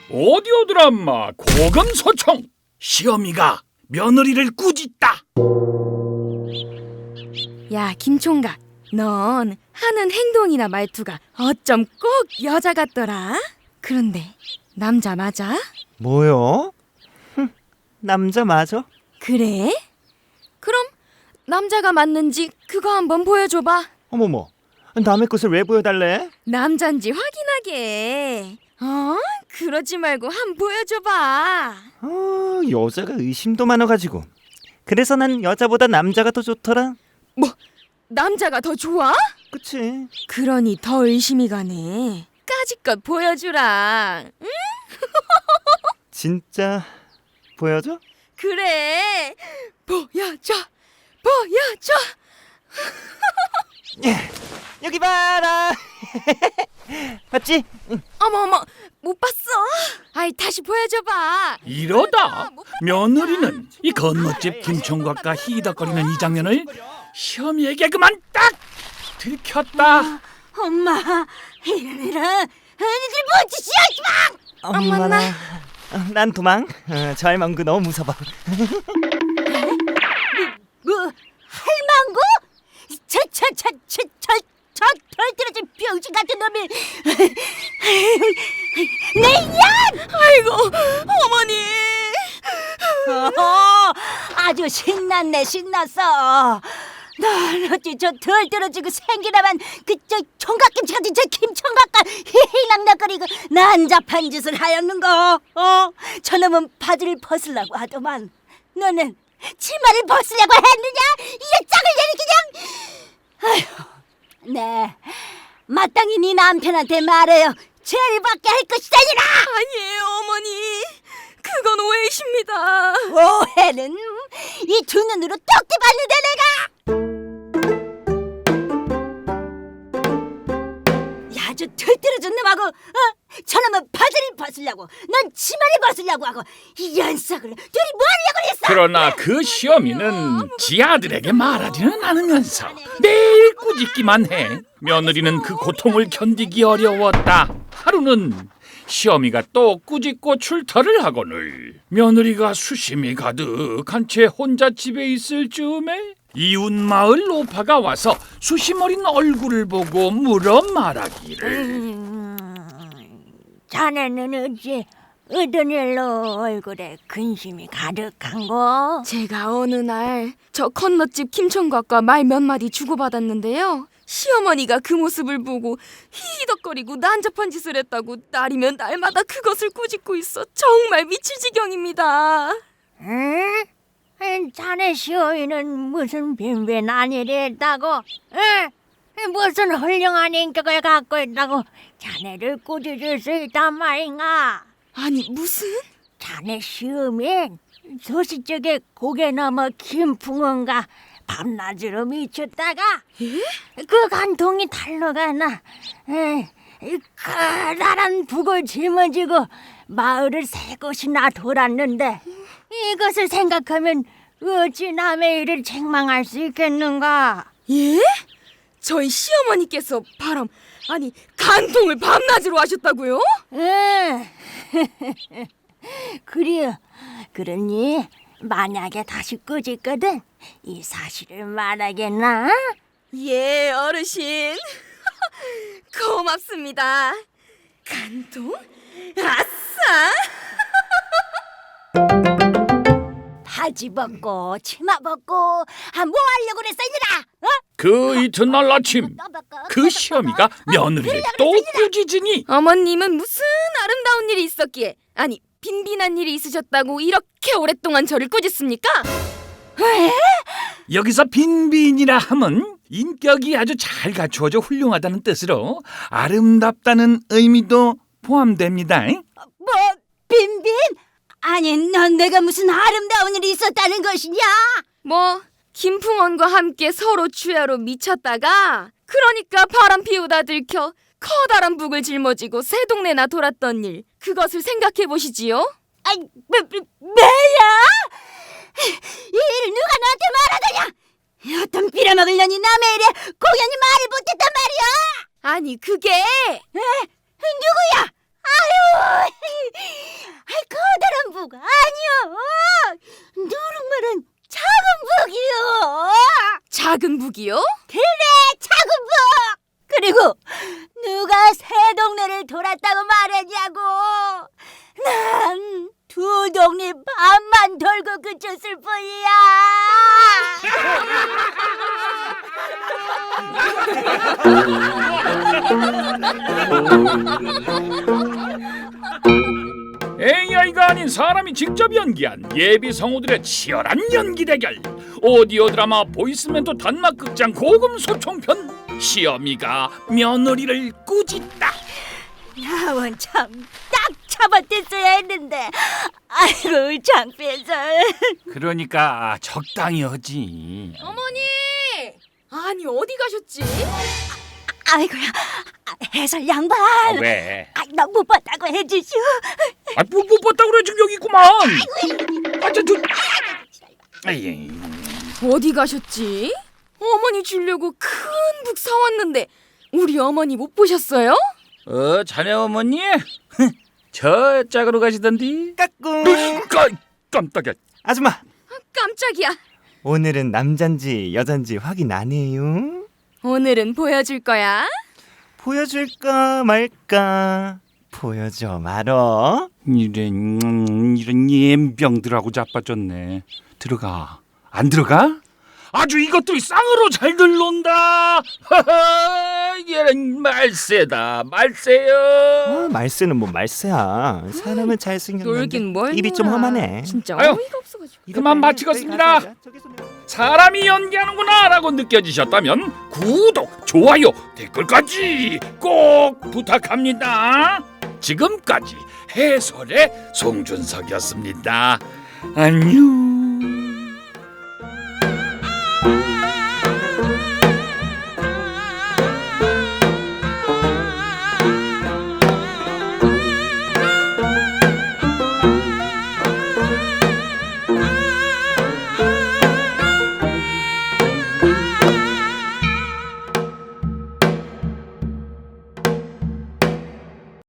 오디오 드라마 고금소총. 시어미가 며느리를 꾸짖다. 야, 김총각, 넌 하는 행동이나 말투가 어쩜 꼭 여자 같더라. 그런데 남자 맞아? 뭐요? 남자 맞아? 그래? 그럼 남자가 맞는지 그거 한번 보여줘봐. 어머머, 남의 것을 왜 보여달래? 남잔지 확인하게. 그러지 말고 한번 보여줘봐. 여자가 의심도 많아가지고. 그래서 난 여자보다 남자가 더 좋더라. 뭐, 남자가 더 좋아? 그치? 그러니 더 의심이 가네. 까짓것 보여주라. 응? 진짜 보여줘? 그래, 보여줘. 여기 봐라. 봤지? 어머, 못 봤어. 아이, 다시 보여줘봐. 이러다 며느리는 이 건너집 김총각과 희덕거리는 이 장면을 시어미에게 그만 딱 들켰다. 엄마, 이런 애들 뭔 짓이야, 엄마나. 난 도망. 저 할망구 너무 무서워. 할망구? 저 덜떨어진 병신 같은 놈이 내 양! 아이고, 어머니. 아주 신났어. 넌 어찌 저 덜떨어지고 생기나만 그저 총각김치 같은 저 김총각과 희희낙낙거리고 난잡한 짓을 하였는거. 저놈은 바지를 벗으려고 하더만 너는 치마를 벗으려고 했느냐? 이 짝을 내리 그냥. 아휴, 네, 마땅히 네 남편한테 말해요. 죄를 받게 할 것이다니라. 아니에요, 어머니. 그건 오해이십니다. 오해는 이 두 눈으로 떡대 봤는데 내가. 야, 저 들뜨러진 놈하고 저놈은 바지를 벗으려고, 넌 치마를 벗으려고 하고, 이 연석을 둘이 뭐 하려고 그랬어? 그러나 그 시어미는 지 아들에게 말하지는 않으면서 매일 꾸짖기만 해. 며느리는 그 고통을 견디기 어려웠다. 하루는 시어미가 또 꾸짖고 출타를 하거늘 며느리가 수심이 가득한 채 혼자 집에 있을 즈음에 이웃 마을 노파가 와서 수심 어린 얼굴을 보고 물어 말하기를. 자네는 어찌 어떤 일로 얼굴에 근심이 가득한거? 제가 어느 날 저 건너집 김총각과 말 몇 마디 주고받았는데요. 시어머니가 그 모습을 보고 히히덕거리고 난잡한 짓을 했다고 날이면 날마다 그것을 꾸짖고 있어 정말 미칠 지경입니다. 응? 자네 시어이는 무슨 빈빈한 일이 했다고? 응? 무슨 훌륭한 인격을 갖고 있다고 자네를 꾸짖을 수 있단 말인가? 아니, 무슨? 자네 시어민 소시적에 고개 넘어 김풍원가 밤낮으로 미쳤다가 그 간통이 달러가나 커다란 북을 짊어지고 마을을 세 곳이나 돌았는데 이것을 생각하면 어찌 남의 일을 책망할 수 있겠는가? 예? 저희 시어머니께서 아니 간통을 밤낮으로 하셨다고요? 응. 그래요. 그러니 만약에 다시 꾸짖거든 이 사실을 말하겠나? 예, 어르신. 고맙습니다. 간통? 아싸! 바지 벗고 치마 벗고 뭐 하려고 그랬어 이들아? 그 이튿날 아침 그 시어미가 며느리를 또 꾸짖으니 어머님은 무슨 아름다운 일이 있었기에, 아니 빈빈한 일이 있으셨다고 이렇게 오랫동안 저를 꾸짖습니까? 여기서 빈빈이라 함은 인격이 아주 잘 갖추어져 훌륭하다는 뜻으로 아름답다는 의미도 포함됩니다. 뭐 빈빈? 아니 넌 내가 무슨 아름다운 일이 있었다는 것이냐? 뭐 김풍원과 함께 서로 주야로 미쳤다가 그러니까 바람 피우다 들켜 커다란 북을 짊어지고 새 동네나 돌았던 일, 그것을 생각해 보시지요. 아이 뭐야? 이 일을 누가 나한테 말하더냐? 어떤 빌어먹을 년이 남의 일에 공연히 말을 못했단 말이야? 아니 그게 누구야? 아유, 작은 북이요? 차군부! 그리고 누가 새 동네를 돌았다고 말했냐고. 난 두 동네 반만 돌고 그쳤을 뿐이야. AI가 아닌 사람이 직접 연기한 예비 성우들의 치열한 연기 대결. 오디오 드라마 보이스멘토 단막극장 고금 소총편. 시어미가 며느리를 꾸짖다. 나원 참 딱 잡아댔어야 했는데. 아이고 장필설. 그러니까 적당히 하지. 어머니! 아니 어디 가셨지? 아이고야 해설 양반. 왜? 나 못 봤다고 해주시오. 못 봤다 그래 지금 여기 있구만. 아이, 어디 가셨지? 어머니 주려고 큰 북 사왔는데 우리 어머니 못 보셨어요? 자네 어머니? 저 짝으로 가시던디. 까꿍. 깜짝이야. 아줌마, 깜짝이야. 오늘은 남잔지 여잔지 확인 안 해요? 오늘은 보여줄 거야. 보여줄까 말까? 보여줘 말어. 이런 예병들하고 자빠졌네. 들어가. 안 들어가? 아주 이것들이 쌍으로 잘 들러온다. 얘는 말세다. 말세요. 말세는 뭐 말세야. 사람은 잘생겼는데 놀긴 뭘 입이 좀 놀아. 험하네. 진짜 아유. 어이가 없어가지고. 그만 마치겠습니다. 사람이 연기하는구나 라고 느껴지셨다면 구독, 좋아요, 댓글까지 꼭 부탁합니다. 지금까지 해설의 송준석이었습니다. 안녕.